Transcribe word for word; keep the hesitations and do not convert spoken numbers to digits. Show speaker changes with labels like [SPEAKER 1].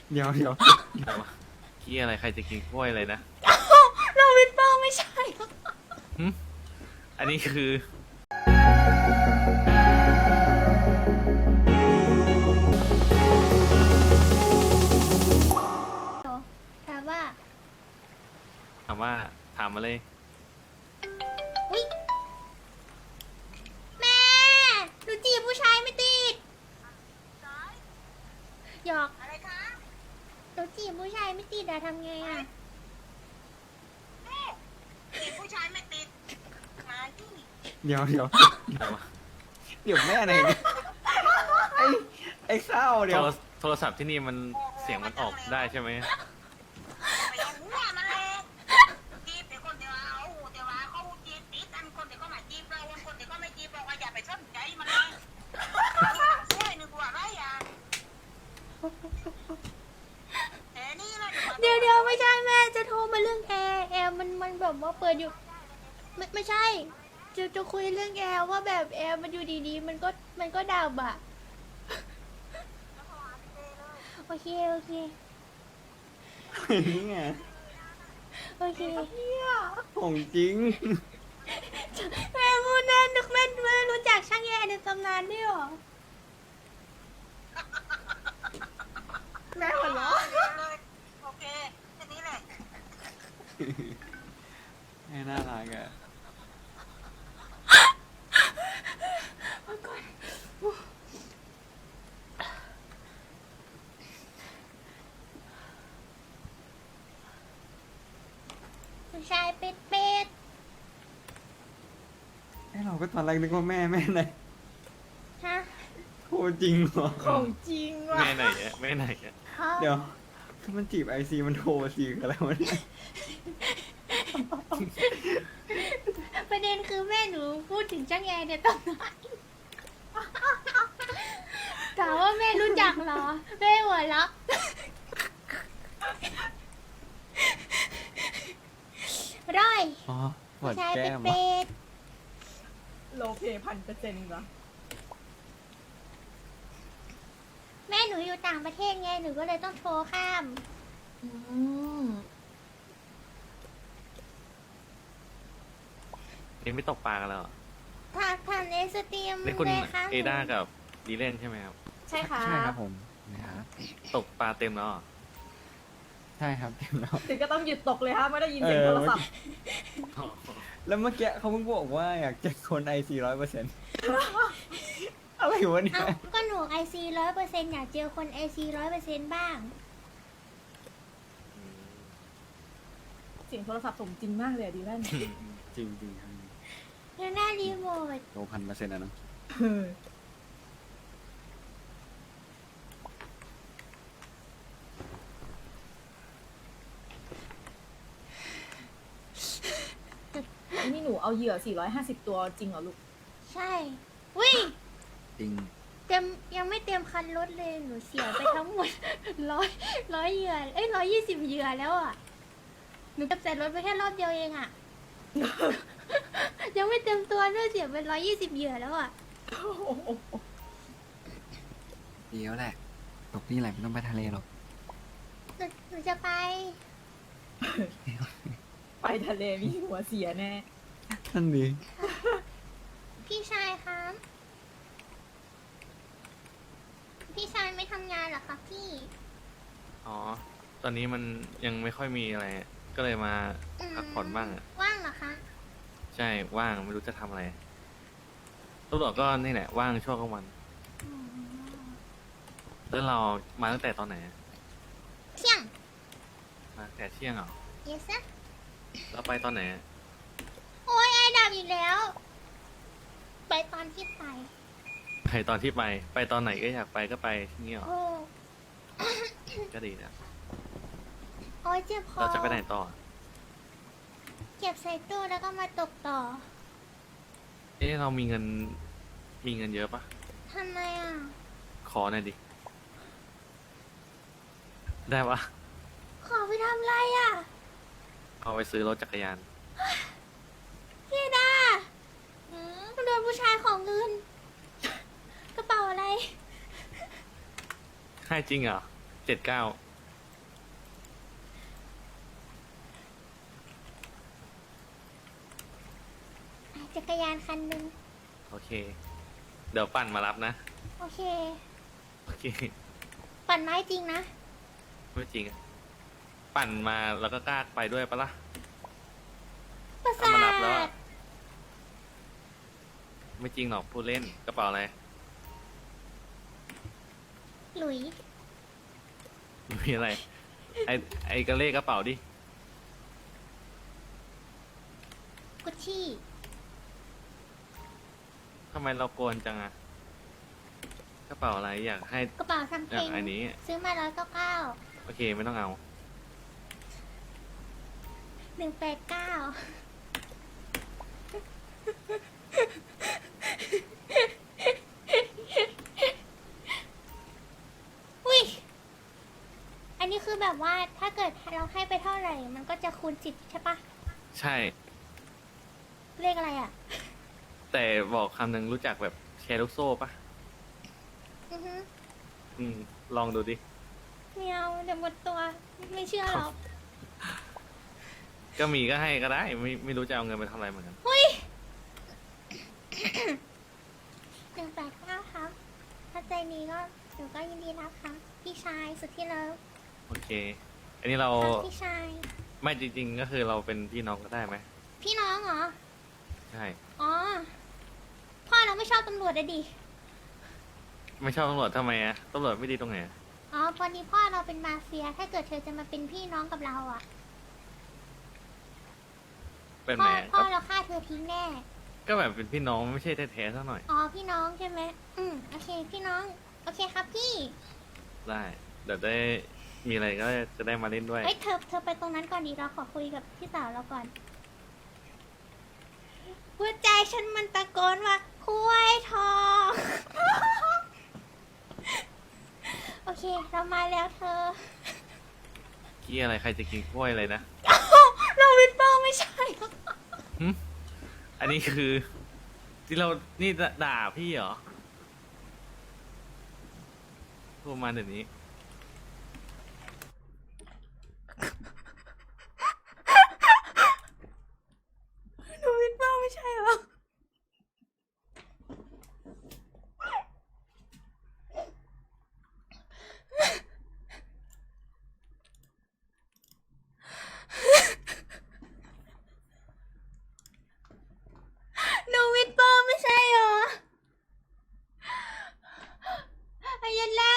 [SPEAKER 1] เดี๋ยวเดี๋ยว
[SPEAKER 2] อะไรวะกี้อะไรใครจะกินกล้วยอะไรนะ
[SPEAKER 3] เราวินเปอร์ไม่ใช่
[SPEAKER 2] หึอันนี้คือ
[SPEAKER 3] ถามว่า
[SPEAKER 2] ถามว่าถามมาเลย
[SPEAKER 3] วิแม่หนูจีบผู้ชายไม่ติดหยอกอะไรคะหนูจีบผู้ชายไม่ติดอะทำไงอะ
[SPEAKER 4] จีบผู้ชายไม่ติดมาที่
[SPEAKER 1] เดี๋ยวเดี๋ยว
[SPEAKER 2] อะไรวะ
[SPEAKER 1] เดี๋ยวแม่ไหนเนี่ยไอ้ไอ้เศร้าเดี๋
[SPEAKER 2] โท
[SPEAKER 1] ยว
[SPEAKER 2] รโทรศัพท์ที่นี่มันเสียงมันออกได้ใช่ไหม
[SPEAKER 4] ไปเอาหัวมันเลยจีบเดี๋ยวคนเดียวเอาเดี๋ยวว่าเขาจีบติดอันคนเดียวก็มาจีบเราคนเดียวก็ไม่จีบเราว่าอย่าไปสนใจมันเลยช่วยนึกว่าไรอ่ะแต่นี่นะ
[SPEAKER 3] เดี๋ยวเดี๋ยวไม่ใช่แม่จะโทรมาเรื่องแอร์แอร์มันมันแบบว่าเปิดอยู่ไม่ไม่ใช่จะจะคุยเรื่องแอร์ว่าแบบแอร์มันอยู่ดีๆมันก็มันก็ดับอะโอเคโอเค
[SPEAKER 1] นี่ไง
[SPEAKER 3] โอเค
[SPEAKER 1] ของจริง
[SPEAKER 3] แม่พูดแน่นึกแม่ไม่รู้จักช่างแอร์ในตำนานด้วยเหรอ
[SPEAKER 4] แม่หัวเราะโอเคแค่นี้แหละ
[SPEAKER 1] แม่น่ารักอะ
[SPEAKER 3] ผู้ชายเป็ดเป็ด
[SPEAKER 1] ไอ้เราก็ตอนแรกนึกว่าแม่แม่ไหน
[SPEAKER 3] ฮะ
[SPEAKER 1] โคจริงเหรอ
[SPEAKER 5] ของจริงว่ะ
[SPEAKER 2] แม่ไหนอะแม่ไหนอะ
[SPEAKER 3] ฮะ
[SPEAKER 1] เดี๋ยวถ้ามันจีบไอซีมันโทรซีอะไรวะเนี่ย
[SPEAKER 3] ประเด็นคือแม่หนูพูดถึงช่างแอร์ในตำนานถามว่าแม่รู้จักเหรอแม่หัวเราะ ร้อย
[SPEAKER 1] อ๋อหว
[SPEAKER 3] ผู้
[SPEAKER 1] ด
[SPEAKER 3] ชาย
[SPEAKER 1] แก้
[SPEAKER 3] เป็ด
[SPEAKER 1] ม
[SPEAKER 3] เป็ด
[SPEAKER 5] โลเพพันเปอร์เซ็นต์เหรอ
[SPEAKER 3] แม่หนูอยู่ต่างประเทศไงหนูก็เลยต้องโทรข้าม
[SPEAKER 5] อืม
[SPEAKER 2] เอ็งไม่ตกปลากันแล้วเหรอ
[SPEAKER 3] ทางทางเอสตรีม
[SPEAKER 2] นี่คุณ
[SPEAKER 3] เลยค่ะ
[SPEAKER 2] เอด้ากับดีเล่นใช่ไหมครับ
[SPEAKER 5] ใช่ค่ะ
[SPEAKER 1] ใช่ครับผมนะครับ
[SPEAKER 2] ตกปลาเต็มแล้วเหรอ
[SPEAKER 1] ใช่ครับเต็มแล้ว
[SPEAKER 5] ถึงก็ต้องหยุดตกเลยฮะไม่ได้ยินเสียง
[SPEAKER 1] เออ
[SPEAKER 5] โทรศัพท์
[SPEAKER 1] แล้วเมื่อกี้เขาเพิ่งบอกว่าอยากเจอคนไอซีร้อยเปอร์เซ็นต์อะไรวะเนี่
[SPEAKER 3] เอ้าย ก็หนูไอซีร้อยเปอร์เซ็นต์อยากเจอคนไอซีร้อยเปอร์เซ็นต์บ้าง
[SPEAKER 5] เสียงโทรศัพท์สมจริงมากเลยอะดีแลน
[SPEAKER 1] จริงจริงๆครับ
[SPEAKER 3] แล้วหน้ารีโมท
[SPEAKER 1] โตพันเปอร์เซ็นต์อะเนาะ
[SPEAKER 5] เออนี่หนูเอาเหยื่อสี่ร้อยห้าสิบตัวจริงเหรอลูก
[SPEAKER 3] ใช่วิ
[SPEAKER 1] จริง
[SPEAKER 3] เต็มยังไม่เต็มคันรถเลยหนูเสียไปทั้งหมด ร้อยร้อยเหยื่อเอ้ยร้อยยี่สิบเหยื่อแล้วอ่ะหนูจะใส่รถไปแค่รอบเดียวเองอ่ะ ยังไม่เต็มตัวด้วยเสียไปร้อยยี่สิบเหยื่อแล้วอ่ะ
[SPEAKER 1] เดี๋ยวแหละตกนี่แหละไม่ต้องไปทะเลหรอก
[SPEAKER 3] หนูหนูจะไป
[SPEAKER 5] ไปทะเลมีหัวเสียแน่
[SPEAKER 1] นั่นดี
[SPEAKER 3] พี่ชายคะพี่ชายไม่ทำงานเหรอคะพี่
[SPEAKER 2] อ๋อ ตอนนี้มันยังไม่ค่อยมีอะไร ก็เลยมา
[SPEAKER 3] ม
[SPEAKER 2] พักผ่อนบ้างอะ
[SPEAKER 3] ว่างเหรอคะ
[SPEAKER 2] ใช่ ว่างไม่รู้จะทำอะไรตำรวจก็นี่แหละ ว่างช่วงกลางวัน
[SPEAKER 3] อ๋อ
[SPEAKER 2] แล้วเรามาตั้งแต่ตอนไหนอะ
[SPEAKER 3] เที่ยง
[SPEAKER 2] มาแต่เที่ยงเหรอ
[SPEAKER 3] yes sir
[SPEAKER 2] เราไปตอนไหนอะ
[SPEAKER 3] โอ้ยไอ้ดับอีกแล้ว ไปตอนที่ไป
[SPEAKER 2] ไปตอนที่ไป ไปตอนไหนก็อยากไปก็ไปที่นี่หรอ
[SPEAKER 3] โอ้
[SPEAKER 2] ก็ดีนะ
[SPEAKER 3] โอ้ยเจ็บคอ
[SPEAKER 2] เราจะไปไหนต่อ
[SPEAKER 3] เก็บใส่ตู้แล้วก็มาตกต่อ
[SPEAKER 2] เอ๊ะเรามีเงิน มีเงินเยอะปะ
[SPEAKER 3] ทำไมอ่ะ
[SPEAKER 2] ขอหน่อยดิ ได้ปะ
[SPEAKER 3] ขอไปทำอะไรอ่ะ
[SPEAKER 2] เอาไปซื้อรถจักรยาน
[SPEAKER 3] พี่ดาโดนผู้ชายของเงิน กระเป๋าอะไร
[SPEAKER 2] ให้จริงเหรอเจ็ดเก้า
[SPEAKER 3] ยานคันหนึ่ง
[SPEAKER 2] โอเค เดี๋ยวปั่นมารับนะ
[SPEAKER 3] โอเค
[SPEAKER 2] โอเค
[SPEAKER 3] ปั่นไม้จริงนะ
[SPEAKER 2] ไม่จริงอะปั่นมาแล้วก็กล้าไปด้วยปะล่ะ
[SPEAKER 3] ประ
[SPEAKER 2] ถ้า
[SPEAKER 3] สา
[SPEAKER 2] มารับแล้ว
[SPEAKER 3] ท
[SPEAKER 2] อะไม่จริงหรอกพูดเล่นกระเป๋าอะไร
[SPEAKER 3] หลุย
[SPEAKER 2] มีอะไร ไอไอกระเล่กระเป๋าดิ
[SPEAKER 3] กุชชี่
[SPEAKER 2] ทำไมเราโกนจังอะกระเป๋าอะไรอยากให้
[SPEAKER 3] กระเป๋าทำเพ
[SPEAKER 2] อ
[SPEAKER 3] ล
[SPEAKER 2] ยาก
[SPEAKER 3] ง
[SPEAKER 2] อันนี้
[SPEAKER 3] ซื้อมาร้อยเก้าเก้า
[SPEAKER 2] โอเคไม่ต้องเอา
[SPEAKER 3] หนึ่งแปดเก้าอุ้ย อันนี้คือแบบว่าถ้าเกิดเราให้ไปเท่าไหร่ มันก็จะคูณสิบใช่ปะ
[SPEAKER 2] ใช่
[SPEAKER 3] เลขอะไรอ่ะ
[SPEAKER 2] แต่บอกคำหนึ่งรู้จักแบบแชร์ลูกโซ่ปะ
[SPEAKER 3] อือฮึ
[SPEAKER 2] อืม ลองดูดิ
[SPEAKER 3] ไม่เอาเดี๋ยวหมดตัว ไม่เชื่อหรอก
[SPEAKER 2] ก็มีก็ให้ก็ได้ ไม่ไม่รู้จะเอาเงินไปทำอะไรเหมือนกัน
[SPEAKER 3] เฮ้ย หนึ่งแปดเก้าครับ ถ้าใจนี้ก็หนูก็ยินดีรับครับ พี่ชายสุดที่เลิฟ
[SPEAKER 2] โอเค อันนี้เรา
[SPEAKER 3] ครับพี่ชาย
[SPEAKER 2] ไม่จริง ๆ ก็คือเราเป็นพี่น้องก็ได้ไหม
[SPEAKER 3] พี่น้องเหรอ
[SPEAKER 2] ใช่
[SPEAKER 3] อ๋อ พ่อเราไม่ชอบตำรวจอะดิ
[SPEAKER 2] ไม่ชอบตำรวจทำไมอะตำรวจไม่ดีตรงไหนอะ
[SPEAKER 3] อ๋อพอดีพ่อเราเป็นมาเฟีย ถ้าเกิดเธอจะมาเป็นพี่น้องกับเราอ่ะ
[SPEAKER 2] เป็น
[SPEAKER 3] พ่
[SPEAKER 2] ไห
[SPEAKER 3] อ
[SPEAKER 2] ม
[SPEAKER 3] พ่อ
[SPEAKER 2] ก็
[SPEAKER 3] เราฆ่าเธอทิ้งแน่
[SPEAKER 2] ก็แบบเป็นพี่น้องไม่ใช่แท้ๆสักหน่อย
[SPEAKER 3] อ๋อพี่น้องใช่ไหม อืมโอเค พี่น้อง โอเคครับพี่
[SPEAKER 2] ได้ เดี๋ยวได้มีอะไรก็จะได้มาเล่นด้วย
[SPEAKER 3] เอ้ยเธอเธอไปตรงนั้นก่อนดีเราขอคุยกับพี่สาวเราก่อน หัวใจฉันมันตะโกนว่าคุ้ยทอง โอเค เรามาแล้วเธอ
[SPEAKER 2] กี้อะไรใครจะกินกล้วยอะไรนะ
[SPEAKER 3] เราวินเปอร์ไม่ใช่
[SPEAKER 2] หึอันนี้คือ ที่เรา นี่ด่าพี่เหรอพูดมาเดี๋ยวนี้
[SPEAKER 3] เราวินเปอร์ไม่ใช่หรอ หนูวิดเปอร์ไม่ใช่เหรอไอ้ยันแร